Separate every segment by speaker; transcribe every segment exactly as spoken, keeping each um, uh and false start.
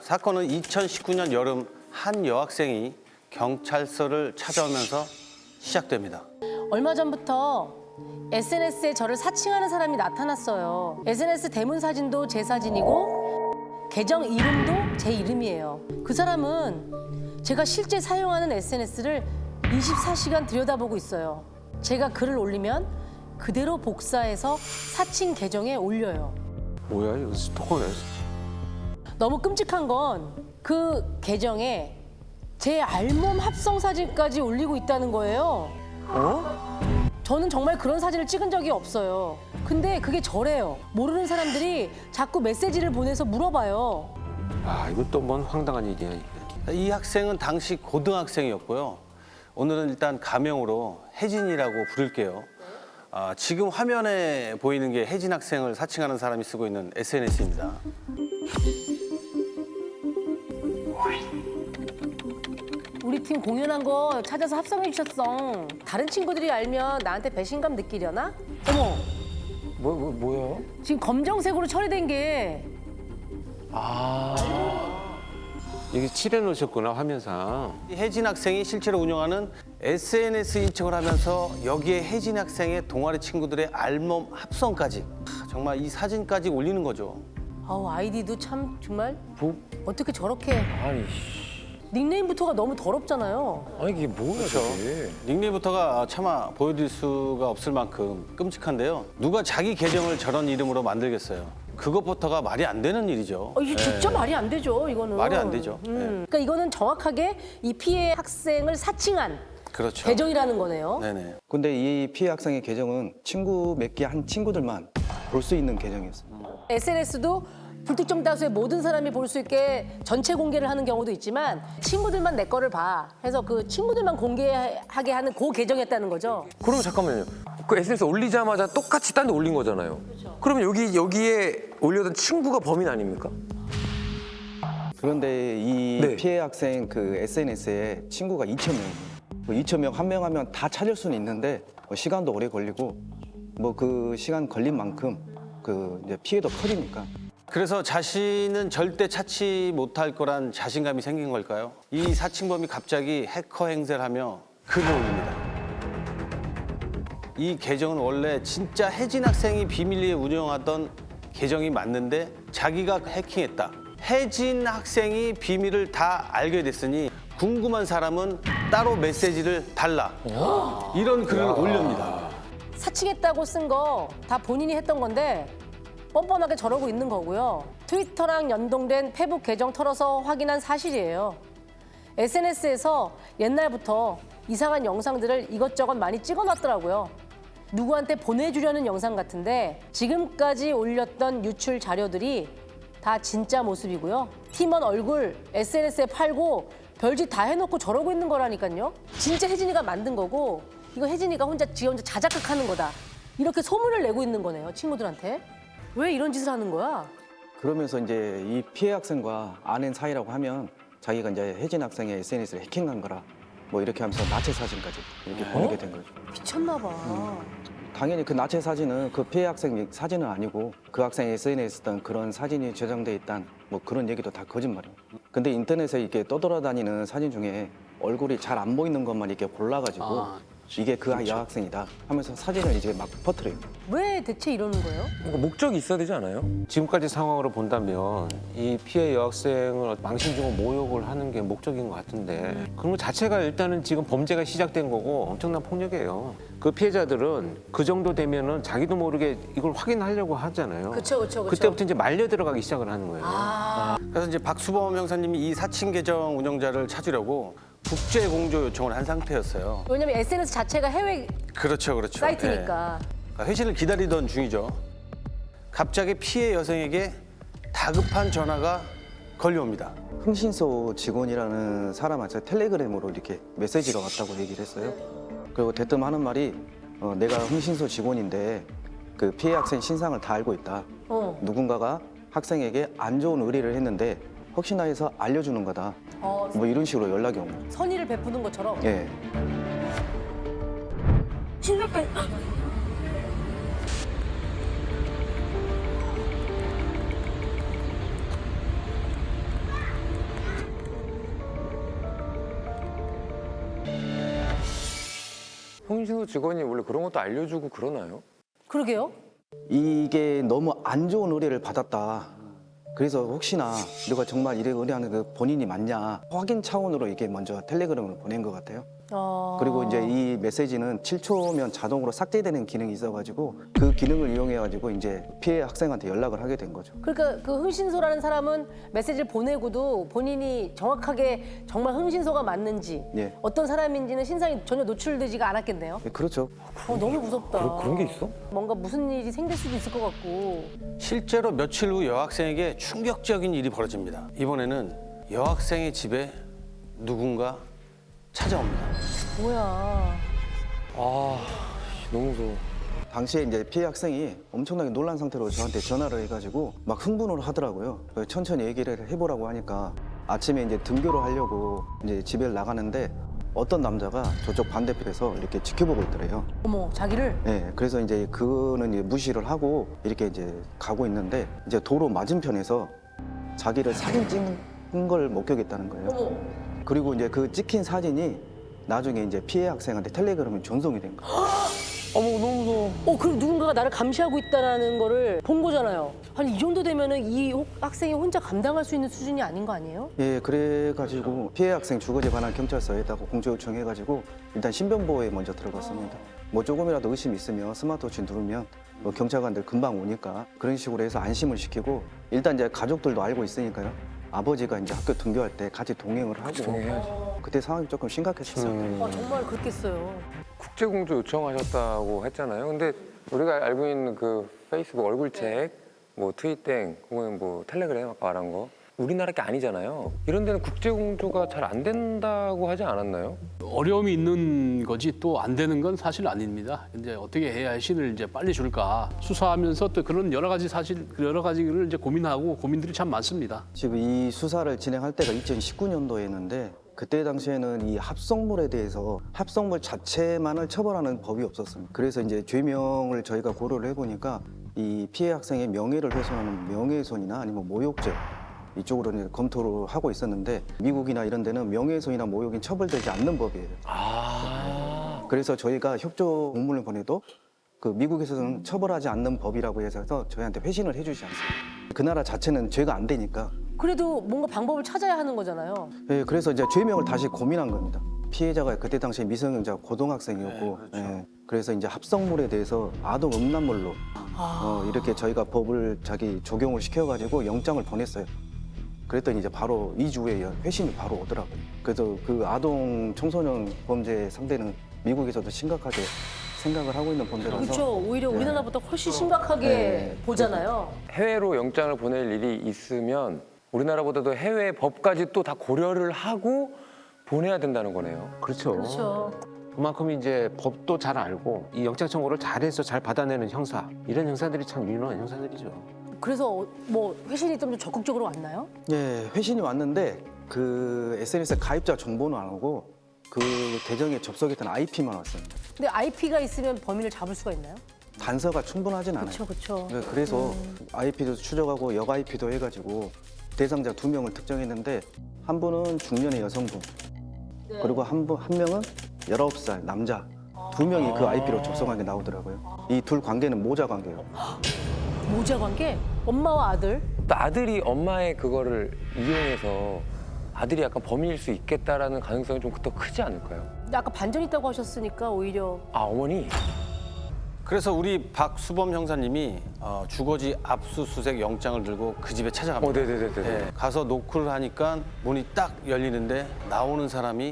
Speaker 1: 사건은 이천십구 년 여름 한 여학생이 경찰서를 찾아오면서 시작됩니다.
Speaker 2: 얼마 전부터 에스엔에스에 저를 사칭하는 사람이 나타났어요. 에스엔에스 대문 사진도 제 사진이고 계정 이름도 제 이름이에요. 그 사람은 제가 실제 사용하는 에스엔에스를 이십사 시간 들여다보고 있어요. 제가 글을 올리면 그대로 복사해서 사칭 계정에 올려요.
Speaker 3: 뭐야 이거 스토커네.
Speaker 2: 너무 끔찍한 건 그 계정에 제 알몸 합성 사진까지 올리고 있다는 거예요.
Speaker 3: 어?
Speaker 2: 저는 정말 그런 사진을 찍은 적이 없어요. 근데 그게 저래요. 모르는 사람들이 자꾸 메시지를 보내서 물어봐요.
Speaker 3: 아 이것도 뭔 황당한 일이야 이게.
Speaker 1: 이 학생은 당시 고등학생이었고요. 오늘은 일단 가명으로 혜진이라고 부를게요. 아, 지금 화면에 보이는 게 혜진 학생을 사칭하는 사람이 쓰고 있는 에스엔에스입니다.
Speaker 2: 우리 팀 공연한 거 찾아서 합성해 주셨어. 다른 친구들이 알면 나한테 배신감 느끼려나? 어머,
Speaker 3: 뭐, 뭐 뭐야?
Speaker 2: 지금 검정색으로 처리된 게
Speaker 3: 아 이게 칠해 놓으셨구나 화면상.
Speaker 1: 이 혜진 학생이 실제로 운영하는 에스엔에스 인척을 하면서 여기에 혜진 학생의 동아리 친구들의 알몸 합성까지 하, 정말 이 사진까지 올리는 거죠.
Speaker 2: 아우 아이디도 참 정말
Speaker 3: 뭐?
Speaker 2: 어떻게 저렇게
Speaker 3: 아니
Speaker 2: 닉네임부터가 너무 더럽잖아요.
Speaker 3: 아니 이게 뭐야 저게?
Speaker 1: 닉네임부터가 차마 보여드릴 수가 없을 만큼 끔찍한데요. 누가 자기 계정을 저런 이름으로 만들겠어요. 그것부터가 말이 안 되는 일이죠.
Speaker 2: 어, 이게 진짜 말이 안 되죠, 이거는.
Speaker 1: 말이 안 되죠.
Speaker 2: 음.
Speaker 1: 네.
Speaker 2: 그러니까 이거는 정확하게 이 피해 학생을 사칭한
Speaker 1: 그렇죠.
Speaker 2: 계정이라는 거네요.
Speaker 1: 네네.
Speaker 4: 근데 이 피해 학생의 계정은 친구 몇 개 한 친구들만 볼 수 있는 계정이었어요.
Speaker 2: 에스엔에스도 불특정 다수의 모든 사람이 볼 수 있게 전체 공개를 하는 경우도 있지만 친구들만 내 거를 봐 해서 그 친구들만 공개하게 하는 그 계정이었다는 거죠.
Speaker 5: 그러면 잠깐만요. 그 에스엔에스 올리자마자 똑같이 딴 데 올린 거잖아요.
Speaker 2: 그렇죠.
Speaker 5: 그러면 여기 여기에 올려둔 친구가 범인 아닙니까?
Speaker 4: 그런데 이
Speaker 5: 네.
Speaker 4: 피해 학생 그 에스엔에스에 친구가 이천 명이에요. 뭐 이천 명 한 명 하면 다 찾을 수는 있는데 뭐 시간도 오래 걸리고 뭐 그 시간 걸린 만큼 그 이제 피해도 커지니까.
Speaker 1: 그래서 자신은 절대 찾지 못할 거란 자신감이 생긴 걸까요? 이 사칭범이 갑자기 해커 행세를 하며 글을 올립니다. 이 계정은 원래 진짜 혜진 학생이 비밀리에 운영하던 계정이 맞는데 자기가 해킹했다. 혜진 학생이 비밀을 다 알게 됐으니 궁금한 사람은 따로 메시지를 달라. 이런 글을 올립니다.
Speaker 2: 사칭했다고 쓴 거 다 본인이 했던 건데 뻔뻔하게 저러고 있는 거고요. 트위터랑 연동된 페북 계정 털어서 확인한 사실이에요. 에스엔에스에서 옛날부터 이상한 영상들을 이것저것 많이 찍어놨더라고요. 누구한테 보내주려는 영상 같은데 지금까지 올렸던 유출 자료들이 다 진짜 모습이고요. 팀원 얼굴 에스엔에스에 팔고 별짓 다 해놓고 저러고 있는 거라니까요. 진짜 혜진이가 만든 거고 이거 혜진이가 혼자 지 혼자 자작극하는 거다. 이렇게 소문을 내고 있는 거네요, 친구들한테. 왜 이런 짓을 하는 거야?
Speaker 4: 그러면서 이제 이 피해 학생과 아는 사이라고 하면 자기가 이제 혜진 학생의 에스엔에스를 해킹한 거라 뭐 이렇게 하면서 나체 사진까지 이렇게 보내게 된 거죠.
Speaker 2: 미쳤나 봐.
Speaker 4: 당연히 그 나체 사진은 그 피해 학생 사진은 아니고 그 학생의 에스엔에스에 있던 그런 사진이 저장돼 있단 뭐 그런 얘기도 다 거짓말이에요. 근데 인터넷에 이렇게 떠돌아다니는 사진 중에 얼굴이 잘 안 보이는 것만 이렇게 골라가지고
Speaker 1: 아,
Speaker 4: 이게 그 여학생이다 하면서 사진을 이제 막 퍼뜨려요.
Speaker 2: 왜 대체 이러는 거예요?
Speaker 5: 뭔가 목적이 있어야 되지 않아요?
Speaker 3: 지금까지 상황으로 본다면 이 피해 여학생을 망신 주고 모욕을 하는 게 목적인 것 같은데 그런 것 자체가 일단은 지금 범죄가 시작된 거고 엄청난 폭력이에요. 그 피해자들은 그 정도 되면은 자기도 모르게 이걸 확인하려고 하잖아요.
Speaker 2: 그쵸, 그쵸, 그쵸.
Speaker 3: 그때부터 이제 말려 들어가기 시작을 하는 거예요.
Speaker 1: 그래서 이제 박수범 형사님이 이 사칭 계정 운영자를 찾으려고 국제 공조 요청을 한 상태였어요.
Speaker 2: 왜냐면 에스엔에스 자체가 해외
Speaker 1: 그렇죠, 그렇죠.
Speaker 2: 사이트니까.
Speaker 1: 네. 회신을 기다리던 중이죠. 갑자기 피해 여성에게 다급한 전화가 걸려옵니다.
Speaker 4: 흥신소 직원이라는 사람한테 텔레그램으로 이렇게 메시지가 왔다고 얘기를 했어요. 그리고 대뜸 하는 말이 어, 내가 흥신소 직원인데 그 피해 학생 신상을 다 알고 있다.
Speaker 2: 어.
Speaker 4: 누군가가 학생에게 안 좋은 의뢰를 했는데 혹시나 해서 알려주는 거다.
Speaker 2: 어,
Speaker 4: 뭐 이런 식으로 연락이 온 거예요.
Speaker 2: 선의를 베푸는 것처럼.
Speaker 4: 예.
Speaker 5: 홍신소 직원이 원래 그런 것도 알려주고 그러나요?
Speaker 2: 그러게요.
Speaker 4: 이게 너무 안 좋은 의뢰를 받았다. 그래서 혹시나 너가 정말 이래 의뢰하는 그 본인이 맞냐 확인 차원으로 이게 먼저 텔레그램을 보낸 것 같아요.
Speaker 2: 어...
Speaker 4: 그리고 이제 이 메시지는 칠 초면 자동으로 삭제되는 기능이 있어가지고 그 기능을 이용해가지고 이제 피해 학생한테 연락을 하게 된 거죠.
Speaker 2: 그러니까 그 흥신소라는 사람은 메시지를 보내고도 본인이 정확하게 정말 흥신소가 맞는지
Speaker 4: 예.
Speaker 2: 어떤 사람인지는 신상이 전혀 노출되지가 않았겠네요.
Speaker 4: 네, 그렇죠.
Speaker 2: 어, 너무 무섭다.
Speaker 5: 그런- 그런 게 있어?
Speaker 2: 뭔가 무슨 일이 생길 수도 있을 것 같고.
Speaker 1: 실제로 며칠 후 여학생에게 충격적인 일이 벌어집니다. 이번에는 여학생의 집에 누군가 찾아옵니다.
Speaker 2: 뭐야.
Speaker 5: 아, 너무 무서워.
Speaker 4: 당시에 이제 피해 학생이 엄청나게 놀란 상태로 저한테 전화를 해가지고 막 흥분을 하더라고요. 그래서 천천히 얘기를 해보라고 하니까 아침에 이제 등교를 하려고 이제 집에 나가는데 어떤 남자가 저쪽 반대편에서 이렇게 지켜보고 있더래요.
Speaker 2: 어머, 자기를?
Speaker 4: 네, 그래서 이제 그는 이제 무시를 하고 이렇게 이제 가고 있는데 이제 도로 맞은편에서 자기를 사진 찍은 걸 목격했다는 거예요.
Speaker 2: 어머.
Speaker 4: 그리고 이제 그 찍힌 사진이 나중에 이제 피해 학생한테 텔레그램에 전송이 된 거예요.
Speaker 5: 어머, 너무 무서워.
Speaker 2: 어, 그럼 누군가가 나를 감시하고 있다는 거를 본 거잖아요. 아니, 이 정도 되면은 이 혹- 학생이 혼자 감당할 수 있는 수준이 아닌 거 아니에요?
Speaker 4: 예, 그래가지고 피해 학생 주거지에 관한 경찰서에다가 공조 요청해가지고 일단 신변보호에 먼저 들어갔습니다. 뭐 조금이라도 의심 있으면 스마트워치 누르면 뭐 경찰관들 금방 오니까 그런 식으로 해서 안심을 시키고 일단 이제 가족들도 알고 있으니까요. 아버지가 이제 학교 등교할 때 같이 동행을 하고
Speaker 5: 동행해야지.
Speaker 4: 그때 상황이 조금 심각했었어요.
Speaker 2: 아, 정말 그렇겠어요.
Speaker 5: 국제공조 요청하셨다고 했잖아요. 근데 우리가 알고 있는 그 페이스북 얼굴책, 뭐 트윗땡, 혹은 뭐 텔레그램 아까 말한 거 우리나라 게 아니잖아요. 이런 데는 국제공조가 잘 안 된다고 하지 않았나요?
Speaker 6: 어려움이 있는 거지 또 안 되는 건 사실 아닙니다. 이제 어떻게 해야 신을 이제 빨리 줄까 수사하면서 또 그런 여러 가지 사실 여러 가지를 이제 고민하고 고민들이 참 많습니다.
Speaker 4: 지금 이 수사를 진행할 때가 이천십구 년도였는데 그때 당시에는 이 합성물에 대해서 합성물 자체만을 처벌하는 법이 없었습니다. 그래서 이제 죄명을 저희가 고려를 해보니까 이 피해 학생의 명예를 훼손하는 명예훼손이나 아니면 모욕죄 이쪽으로 이제 검토를 하고 있었는데 미국이나 이런 데는 명예훼손이나 모욕이 처벌되지 않는 법이에요.
Speaker 5: 아,
Speaker 4: 그래서 저희가 협조 공문을 보내도 그 미국에서는 처벌하지 않는 법이라고 해서 저희한테 회신을 해주지 않습니다. 그 나라 자체는 죄가 안 되니까.
Speaker 2: 그래도 뭔가 방법을 찾아야 하는 거잖아요.
Speaker 4: 예, 그래서 이제 죄명을 다시 고민한 겁니다. 피해자가 그때 당시에 미성년자 고등학생이었고, 예, 그래서 이제 합성물에 대해서 아동 음란물로 어, 이렇게 저희가 법을 자기 적용을 시켜가지고 영장을 보냈어요. 그랬더니 이제 바로 이 주 후에 회신이 바로 오더라고요. 그래서 그 아동 청소년 범죄 상대는 미국에서도 심각하게 생각을 하고 있는 범죄라서
Speaker 2: 그렇죠. 오히려 우리나라보다 훨씬 심각하게
Speaker 4: 네.
Speaker 2: 보잖아요.
Speaker 5: 해외로 영장을 보낼 일이 있으면 우리나라보다도 해외 법까지 또 다 고려를 하고 보내야 된다는 거네요.
Speaker 3: 그렇죠.
Speaker 2: 그렇죠.
Speaker 3: 그만큼 이제 법도 잘 알고 이 영장 청구를 잘해서 잘 받아내는 형사 이런 형사들이 참 유능한 형사들이죠.
Speaker 2: 그래서 뭐 회신이 좀 적극적으로 왔나요?
Speaker 4: 예, 회신이 왔는데 그 에스엔에스 가입자 정보는 안 오고 그 계정에 접속했던 아이피만 왔습니다.
Speaker 2: 근데 아이피가 있으면 범인을 잡을 수가 있나요?
Speaker 4: 단서가 충분하진 않아요.
Speaker 2: 그렇죠, 그렇죠.
Speaker 4: 네, 그래서 아이피도 추적하고 역 아이피도 해가지고 대상자 두 명을 특정했는데 한 분은 중년의 여성분 그리고 한, 분, 한 명은 열아홉 살 남자 두 명이 그 아이피로 접속한 게 나오더라고요. 이 둘 관계는 모자 관계예요.
Speaker 2: 모자 관계? 엄마와 아들?
Speaker 5: 또 아들이 엄마의 그거를 이용해서 아들이 약간 범인일 수 있겠다라는 가능성이 좀 더 크지 않을까요?
Speaker 2: 근데 아까 반전 있다고 하셨으니까 오히려
Speaker 5: 아, 어머니?
Speaker 1: 그래서 우리 박수범 형사님이 어, 주거지 압수수색 영장을 들고 그 집에 찾아갑니다.
Speaker 5: 어, 네네네네.
Speaker 1: 네, 가서 노크를 하니까 문이 딱 열리는데 나오는 사람이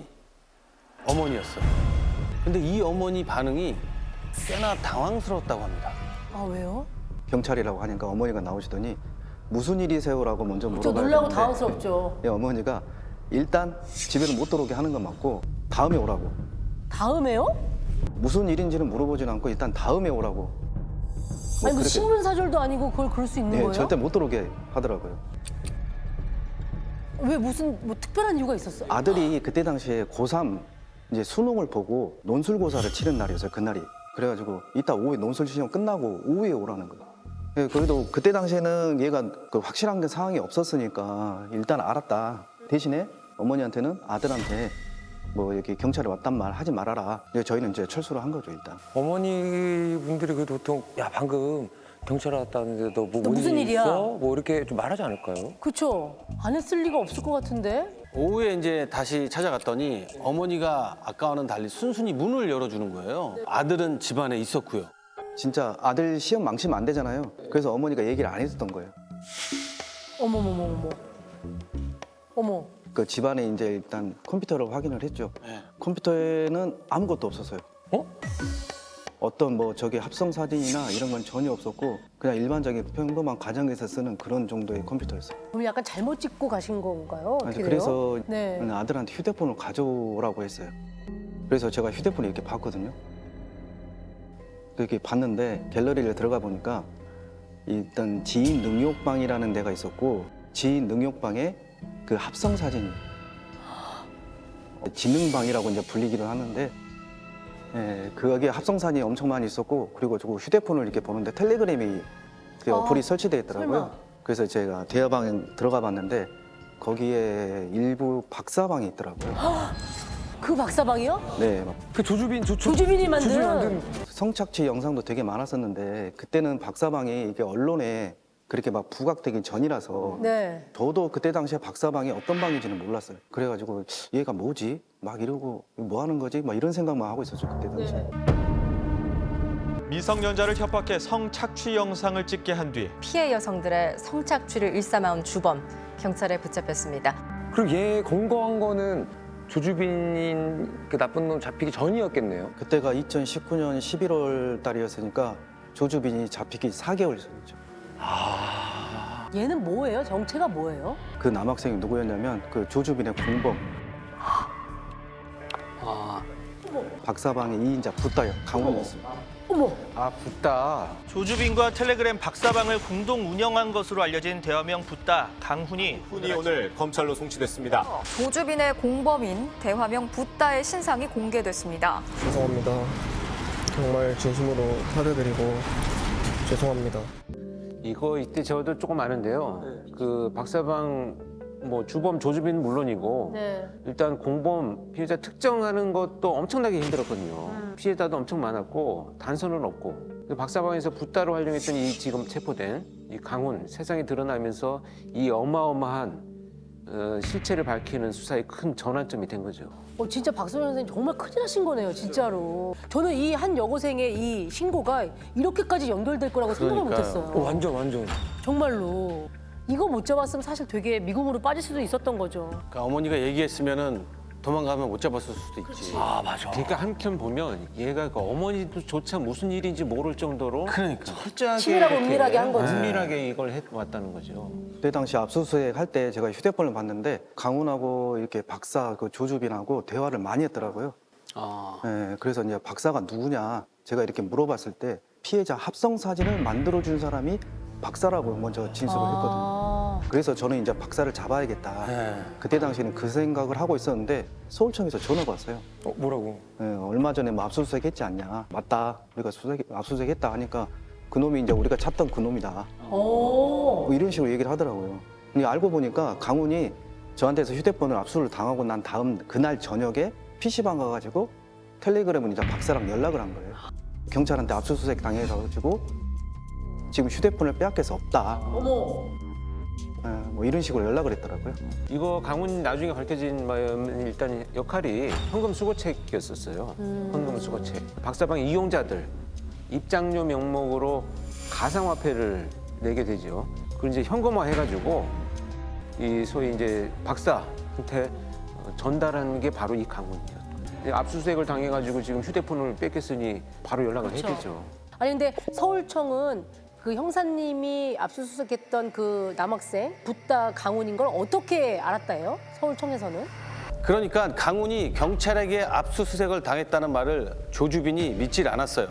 Speaker 1: 어머니였어요. 근데 이 어머니 반응이 꽤나 당황스러웠다고 합니다.
Speaker 2: 아 왜요?
Speaker 4: 경찰이라고 하니까 어머니가 나오시더니 무슨 일이세요라고 먼저
Speaker 2: 저
Speaker 4: 물어봐야
Speaker 2: 놀라고
Speaker 4: 되는데
Speaker 2: 당황스럽죠.
Speaker 4: 예, 어머니가 일단 집에는 못 들어오게 하는 건 맞고 다음에 오라고.
Speaker 2: 다음에요?
Speaker 4: 무슨 일인지는 물어보진 않고 일단 다음에 오라고. 뭐
Speaker 2: 아니 뭐
Speaker 4: 그렇게-
Speaker 2: 신분사절도 아니고 그걸 그럴 수 있는
Speaker 4: 예,
Speaker 2: 거예요?
Speaker 4: 절대 못 들어오게 하더라고요.
Speaker 2: 왜 무슨 뭐 특별한 이유가 있었어요?
Speaker 4: 아들이 그때 당시에 고삼 이제 수능을 보고 논술고사를 치른 날이었어요. 그날이. 그래가지고 이따 오후에 논술 시험 끝나고 오후에 오라는 거예요. 예, 그래도 그때 당시에는 얘가 그 확실한 게 상황이 없었으니까 일단 알았다. 대신에 어머니한테는 아들한테 뭐 여기 경찰에 왔단 말 하지 말아라. 근데 저희는 이제 철수를 한 거죠 일단.
Speaker 5: 어머니 분들이 그 보통 야 방금 경찰 왔다는데 너 뭐
Speaker 2: 너 무슨 일이야?
Speaker 5: 있어? 뭐 이렇게 좀 말하지 않을까요?
Speaker 2: 그쵸? 안 했을 리가 없을 것 같은데?
Speaker 1: 오후에 이제 다시 찾아갔더니 어머니가 아까와는 달리 순순히 문을 열어주는 거예요. 아들은 집안에 있었고요.
Speaker 4: 진짜 아들 시험 망치면 안 되잖아요. 그래서 어머니가 얘기를 안 했었던 거예요.
Speaker 2: 어머머머머머. 어머.
Speaker 4: 그 집안에 이제 일단 컴퓨터를 확인을 했죠.
Speaker 1: 네.
Speaker 4: 컴퓨터에는 아무것도 없었어요.
Speaker 5: 어?
Speaker 4: 어떤 뭐 저기 합성 사진이나 이런 건 전혀 없었고 그냥 일반적인 평범한 가정에서 쓰는 그런 정도의 컴퓨터였어요.
Speaker 2: 그럼 약간 잘못 찍고 가신 건가요? 어떻게 돼요?
Speaker 4: 그래서
Speaker 2: 네.
Speaker 4: 아들한테 휴대폰을 가져오라고 했어요. 그래서 제가 휴대폰을 이렇게 봤거든요. 이렇게 봤는데 갤러리를 들어가 보니까 일단 지인 능욕방이라는 데가 있었고 지인 능욕방에 그 합성 사진이 지능방이라고 이제 불리기도 하는데 예, 그게 합성 사진이 엄청 많이 있었고 그리고 저 휴대폰을 이렇게 보는데 텔레그램이 그
Speaker 2: 아,
Speaker 4: 어플이 설치되어 있더라고요.
Speaker 2: 설마.
Speaker 4: 그래서 제가 대화방에 들어가 봤는데 거기에 일부 박사방이 있더라고요.
Speaker 2: 그 박사방이요?
Speaker 4: 네, 막
Speaker 5: 그 조주빈 조, 조,
Speaker 2: 조주빈이 만든.
Speaker 5: 조주빈이 만든
Speaker 4: 성착취 영상도 되게 많았었는데 그때는 박사방이 이게 언론에 그렇게 막 부각되기 전이라서
Speaker 2: 네.
Speaker 4: 저도 그때 당시에 박사방이 어떤 방인지는 몰랐어요. 그래가지고 얘가 뭐지? 막 이러고 뭐 하는 거지? 막 이런 생각만 하고 있었죠 그때 당시에.
Speaker 2: 네.
Speaker 7: 미성년자를 협박해 성착취 영상을 찍게 한 뒤
Speaker 8: 피해 여성들의 성착취를 일삼아온 주범 경찰에 붙잡혔습니다.
Speaker 5: 그리고 얘 검거한 거는 조주빈인 그 나쁜 놈 잡히기 전이었겠네요.
Speaker 4: 그때가 이천십구 년 십일월 달이었으니까 조주빈이 잡히기 사 개월 전이죠.
Speaker 2: 얘는 뭐예요? 정체가 뭐예요?
Speaker 4: 그 남학생이 누구였냐면 그 조주빈의 공범
Speaker 6: 아,
Speaker 4: 박사방의 이 인자 붓다요 강원이었습니다.
Speaker 2: 어머.
Speaker 3: 아, 붙다.
Speaker 7: 조주빈과 텔레그램 박사방을 공동 운영한 것으로 알려진 대화명 붓다 강훈이
Speaker 9: 훈이 오늘 검찰로 송치됐습니다.
Speaker 8: 조주빈의 공범인 대화명 붓다의 신상이 공개됐습니다.
Speaker 10: 죄송합니다. 정말 진심으로 사죄드리고 죄송합니다.
Speaker 3: 이거 이때 저도 조금 아는데요. 그 박사방 뭐 주범 조주빈은 물론이고
Speaker 2: 네.
Speaker 3: 일단 공범 피해자 특정하는 것도 엄청나게 힘들었거든요. 피해자도 엄청 많았고 단서는 없고 그 박사방에서 붓다로 활용했던 이 지금 체포된 이 강훈 세상에 드러나면서 이 어마어마한 어, 실체를 밝히는 수사의 큰 전환점이 된 거죠.
Speaker 2: 어, 진짜 박소영 선생님 정말 큰일 하신 거네요, 진짜로. 저는 이 한 여고생의 이 신고가 이렇게까지 연결될 거라고 생각을
Speaker 1: 그러니까요.
Speaker 2: 못했어요.
Speaker 5: 어, 완전 완전.
Speaker 2: 정말로. 이거 못 잡았으면 사실 되게 미궁으로 빠질 수도 있었던 거죠.
Speaker 1: 그러니까 어머니가 얘기했으면은 도망가면 못 잡았을 수도 있지.
Speaker 5: 아 맞아.
Speaker 3: 그러니까 한편 보면 얘가 그 어머니도조차 무슨 일인지 모를 정도로
Speaker 1: 그러니까.
Speaker 3: 철저하게
Speaker 2: 치밀하고
Speaker 3: 이렇게
Speaker 2: 은밀하게 한 거지.
Speaker 3: 은밀하게 이걸 해왔다는 거죠.
Speaker 4: 그때 당시 압수수색 할 때 제가 휴대폰을 봤는데 강훈하고 이렇게 박사 그 조주빈하고 대화를 많이 했더라고요.
Speaker 6: 아,
Speaker 4: 예, 그래서 이제 박사가 누구냐 제가 이렇게 물어봤을 때 피해자 합성 사진을 만들어준 사람이 박사라고 먼저 진술을 했거든요.
Speaker 2: 아,
Speaker 4: 그래서 저는 이제 박사를 잡아야겠다.
Speaker 1: 네.
Speaker 4: 그때 당시에는 그 생각을 하고 있었는데 서울청에서 전화가 왔어요.
Speaker 5: 어, 뭐라고?
Speaker 4: 예, 얼마 전에 뭐 압수수색 했지 않냐. 맞다. 우리가 수색, 압수수색 했다 하니까 그놈이 이제 우리가 찾던 그놈이다.
Speaker 2: 오.
Speaker 4: 뭐 이런 식으로 얘기를 하더라고요. 근데 알고 보니까 강훈이 저한테서 휴대폰을 압수를 당하고 난 다음 그날 저녁에 피시방 가가지고 텔레그램은 이제 박사랑 연락을 한 거예요. 경찰한테 압수수색 당해가지고 지금 휴대폰을 빼앗겨서 없다.
Speaker 2: 어머.
Speaker 4: 예, 뭐 이런 식으로 연락을 했더라고요.
Speaker 3: 이거 강훈 나중에 밝혀진 바에는 일단 역할이 현금 수거책이었었어요. 현금 수거책. 박사방 이용자들 입장료 명목으로 가상화폐를 내게 되죠. 그걸 이제 현금화 해가지고 이 소위 이제 박사한테 전달하는 게 바로 이 강훈이었죠. 압수수색을 당해가지고 지금 휴대폰을 뺏겼으니 바로 연락을
Speaker 2: 그쵸.
Speaker 3: 했겠죠.
Speaker 2: 아니 근데 서울청은 그 형사님이 압수수색했던 그 남학생 붓다 강훈인 걸 어떻게 알았다요? 서울청에서는?
Speaker 1: 그러니까 강훈이 경찰에게 압수수색을 당했다는 말을 조주빈이 믿질 않았어요.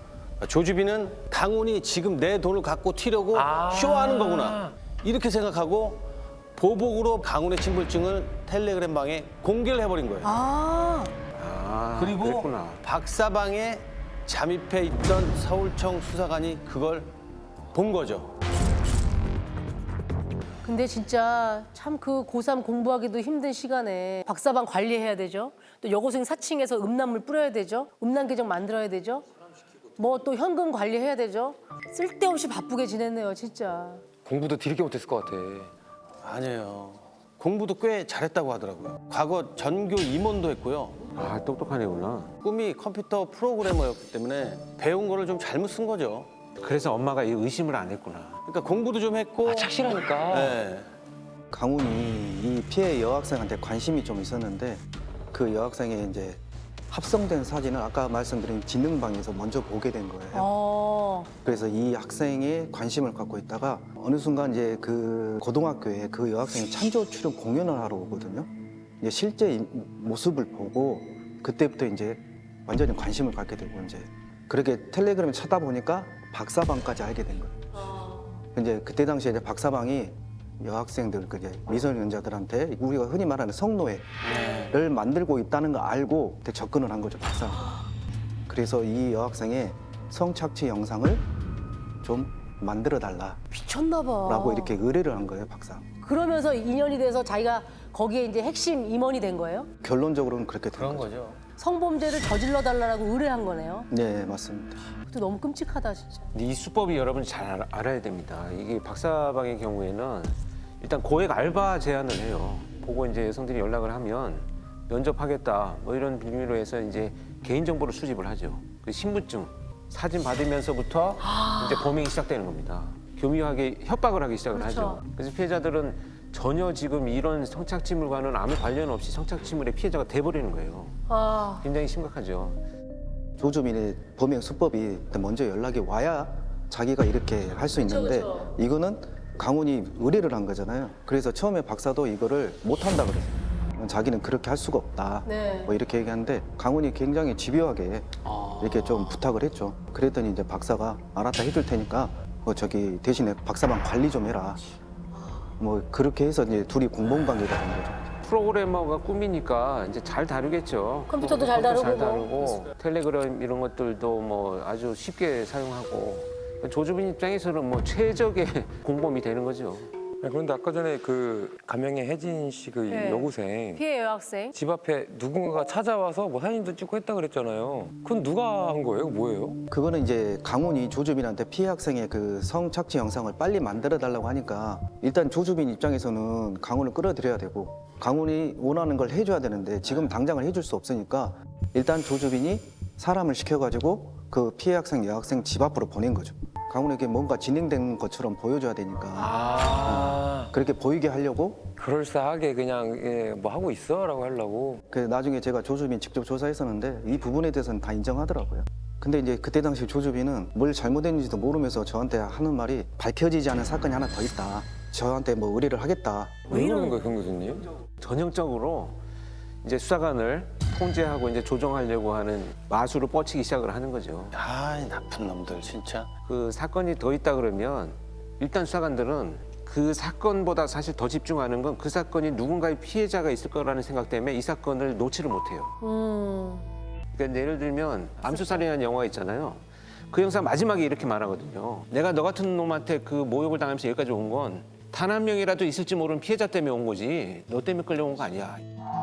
Speaker 1: 조주빈은 강훈이 지금 내 돈을 갖고 튀려고 쇼하는 거구나 이렇게 생각하고 보복으로 강훈의 친불증을 텔레그램 방에 공개를 해버린 거예요.
Speaker 2: 아.
Speaker 3: 아,
Speaker 1: 그리고
Speaker 3: 그랬구나.
Speaker 1: 박사방에 잠입해 있던 서울청 수사관이 그걸 본 거죠.
Speaker 2: 근데 진짜 참 그 고삼 공부하기도 힘든 시간에 박사방 관리해야 되죠. 또 여고생 사칭해서 음란물 뿌려야 되죠. 음란 계정 만들어야 되죠. 뭐 또 현금 관리해야 되죠. 쓸데없이 바쁘게 지냈네요, 진짜.
Speaker 5: 공부도 뒤늦게 못했을 것 같아.
Speaker 1: 아니에요. 공부도 꽤 잘했다고 하더라고요. 과거 전교 임원도 했고요.
Speaker 3: 아, 똑똑한 애구나.
Speaker 1: 꿈이 컴퓨터 프로그래머였기 때문에 배운 거를 좀 잘못 쓴 거죠.
Speaker 3: 그래서 엄마가 이 의심을 안 했구나.
Speaker 1: 그러니까 공부도 좀 했고.
Speaker 5: 아, 착실하니까.
Speaker 1: 네.
Speaker 4: 강훈이 이 피해 여학생한테 관심이 좀 있었는데 그 여학생의 이제 합성된 사진을 아까 말씀드린 지능방에서 먼저 보게 된 거예요.
Speaker 2: 어.
Speaker 4: 그래서 이 학생에 관심을 갖고 있다가 어느 순간 이제 그 고등학교에 그 여학생이 찬조 출연 공연을 하러 오거든요. 이제 실제 이 모습을 보고 그때부터 이제 완전히 관심을 갖게 되고 이제 그렇게 텔레그램을 찾아보니까 박사방까지 알게 된 거예요. 이제 그때 당시에 이제 박사방이 여학생들, 그 이제 미성년자들한테 우리가 흔히 말하는 성노예를 만들고 있다는 걸 알고 그때 접근을 한 거죠, 박사. 그래서 이 여학생의 성착취 영상을 좀 만들어 달라라고
Speaker 2: 미쳤나 봐.
Speaker 4: 이렇게 의뢰를 한 거예요, 박사.
Speaker 2: 그러면서 인연이 돼서 자기가 거기에 이제 핵심 임원이 된 거예요?
Speaker 4: 결론적으로는 그렇게 된
Speaker 1: 그런
Speaker 4: 거죠.
Speaker 1: 거죠.
Speaker 2: 성범죄를 저질러 달라고 의뢰한 거네요.
Speaker 4: 네, 맞습니다.
Speaker 2: 그것도 너무 끔찍하다, 진짜.
Speaker 3: 근데 이 수법이 여러분 잘 알아- 알아야 됩니다. 이게 박사방의 경우에는 일단 고액 알바 제안을 해요. 보고 이제 여성들이 연락을 하면 면접하겠다 뭐 이런 빌미로 해서 이제 개인정보를 수집을 하죠. 그 신분증, 사진 받으면서부터 이제 범행이 시작되는 겁니다. 교묘하게 협박을 하기 시작을
Speaker 2: 그렇죠.
Speaker 3: 하죠. 그래서 피해자들은 전혀 지금 이런 성착취물과는 아무 관련 없이 성착취물의 피해자가 돼버리는 거예요.
Speaker 2: 아,
Speaker 3: 굉장히 심각하죠.
Speaker 4: 조주민의 범행 수법이 먼저 연락이 와야 자기가 이렇게 할 수 있는데
Speaker 2: 그쵸.
Speaker 4: 이거는 강훈이 의뢰를 한 거잖아요. 그래서 처음에 박사도 이거를 못 한다 그랬어요. 자기는 그렇게 할 수가 없다.
Speaker 2: 네.
Speaker 4: 뭐 이렇게 얘기하는데 강훈이 굉장히 집요하게 이렇게 좀 부탁을 했죠. 그랬더니 이제 박사가 알았다 해줄 테니까 뭐 저기 대신에 박사방 관리 좀 해라. 뭐 그렇게 해서 이제 둘이 공범 관계가 된 거죠.
Speaker 3: 프로그래머가 꿈이니까 이제 잘 다루겠죠.
Speaker 2: 컴퓨터도 잘
Speaker 3: 컴퓨터 잘
Speaker 2: 다루고
Speaker 3: 다루고 텔레그램 이런 것들도 뭐 아주 쉽게 사용하고 조주빈 입장에서는 뭐 최적의 공범이 되는 거죠.
Speaker 5: 네, 그런데 아까 전에 그 가명의 혜진 씨 그
Speaker 2: 네.
Speaker 5: 여고생
Speaker 2: 피해 여학생.
Speaker 5: 집 앞에 누군가가 찾아와서 뭐 사진도 찍고 했다 그랬잖아요. 그건 누가 한 거예요? 뭐예요?
Speaker 4: 그거는 이제 강훈이 조주빈한테 피해 학생의 그 성착취 영상을 빨리 만들어 달라고 하니까 일단 조주빈 입장에서는 강훈을 끌어들여야 되고 강훈이 원하는 걸 해줘야 되는데 지금 당장을 해줄 수 없으니까 일단 조주빈이 사람을 시켜가지고 그 피해 학생 여학생 집 앞으로 보낸 거죠. 강훈에게 뭔가 진행된 것처럼 보여줘야 되니까
Speaker 5: 아,
Speaker 4: 그렇게 보이게 하려고
Speaker 5: 그럴싸하게 그냥 예, 뭐 하고 있어라고 하려고.
Speaker 4: 그 나중에 제가 조주빈 직접 조사했었는데 이 부분에 대해서는 다 인정하더라고요. 근데 이제 그때 당시 조주빈은 뭘 잘못했는지도 모르면서 저한테 하는 말이 밝혀지지 않은 사건이 하나 더 있다. 저한테 뭐 의뢰를 하겠다.
Speaker 5: 왜 이러는 거예요, 경 교수님?
Speaker 3: 전형적으로 이제 수사관을 통제하고 이제 조정하려고 하는 마술을 뻗치기 시작을 하는 거죠.
Speaker 1: 아, 나쁜 놈들 진짜.
Speaker 3: 그 사건이 더 있다 그러면 일단 수사관들은 그 사건보다 사실 더 집중하는 건 그 사건이 누군가의 피해자가 있을 거라는 생각 때문에 이 사건을 놓지를 못해요.
Speaker 2: 음.
Speaker 3: 그러니까 예를 들면 암수살이라는 영화 있잖아요. 그 영상 마지막에 이렇게 말하거든요. 내가 너 같은 놈한테 그 모욕을 당하면서 여기까지 온 건 단 한 명이라도 있을지 모르는 피해자 때문에 온 거지 너 때문에 끌려온 거 아니야.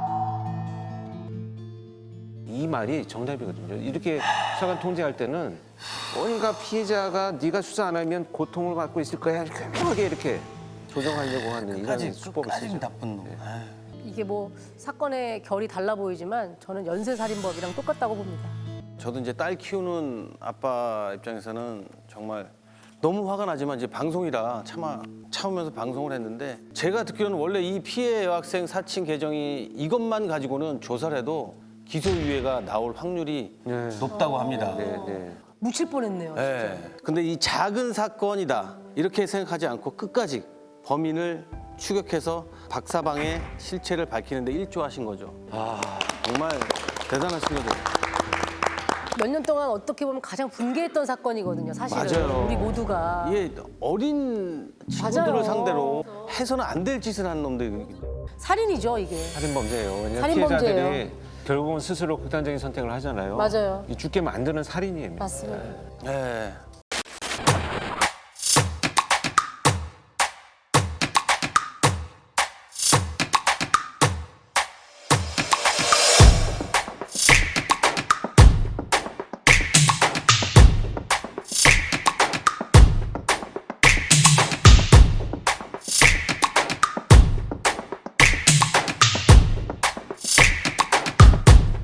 Speaker 3: 이 말이 정답이거든요. 이렇게 수사관 통제할 때는 뭔가 피해자가 네가 수사 안 하면 고통을 받고 있을 거야. 교묘하게 이렇게 조정하려고 하는 이런
Speaker 1: 끝까지
Speaker 3: 수법을
Speaker 1: 끝까지
Speaker 3: 쓰죠.
Speaker 1: 나쁜 놈.
Speaker 3: 네.
Speaker 1: 아유.
Speaker 2: 이게 뭐 사건의 결이 달라 보이지만 저는 연쇄살인법이랑 똑같다고 봅니다.
Speaker 1: 저도 이제 딸 키우는 아빠 입장에서는 정말 너무 화가 나지만 이제 방송이라 참아 참으면서 방송을 했는데 제가 듣기로는 원래 이 피해 여학생 사칭 계정이 이것만 가지고는 조사를 해도 기소유예가 나올 확률이
Speaker 3: 네.
Speaker 1: 높다고 합니다.
Speaker 3: 네, 네.
Speaker 2: 묻힐 뻔했네요. 진짜.
Speaker 1: 네. 근데 이 작은 사건이다 이렇게 생각하지 않고 끝까지 범인을 추격해서 박사방의 실체를 밝히는데 일조하신 거죠.
Speaker 5: 아,
Speaker 1: 정말 대단하신 거죠.
Speaker 2: 몇 년 동안 어떻게 보면 가장 분개했던 사건이거든요, 사실은.
Speaker 1: 맞아요.
Speaker 2: 우리 모두가.
Speaker 1: 이게 어린 친구들을
Speaker 2: 맞아요.
Speaker 1: 상대로 해서는 안 될 짓을 하는 놈들.
Speaker 2: 살인이죠, 이게.
Speaker 3: 살인 범죄예요. 왜냐하면
Speaker 2: 살인
Speaker 3: 피해자들이
Speaker 2: 범죄예요.
Speaker 3: 결국은 스스로 극단적인 선택을 하잖아요.
Speaker 2: 맞아요.
Speaker 3: 이 죽게 만드는 살인이에요.
Speaker 2: 맞습니다.
Speaker 1: 네.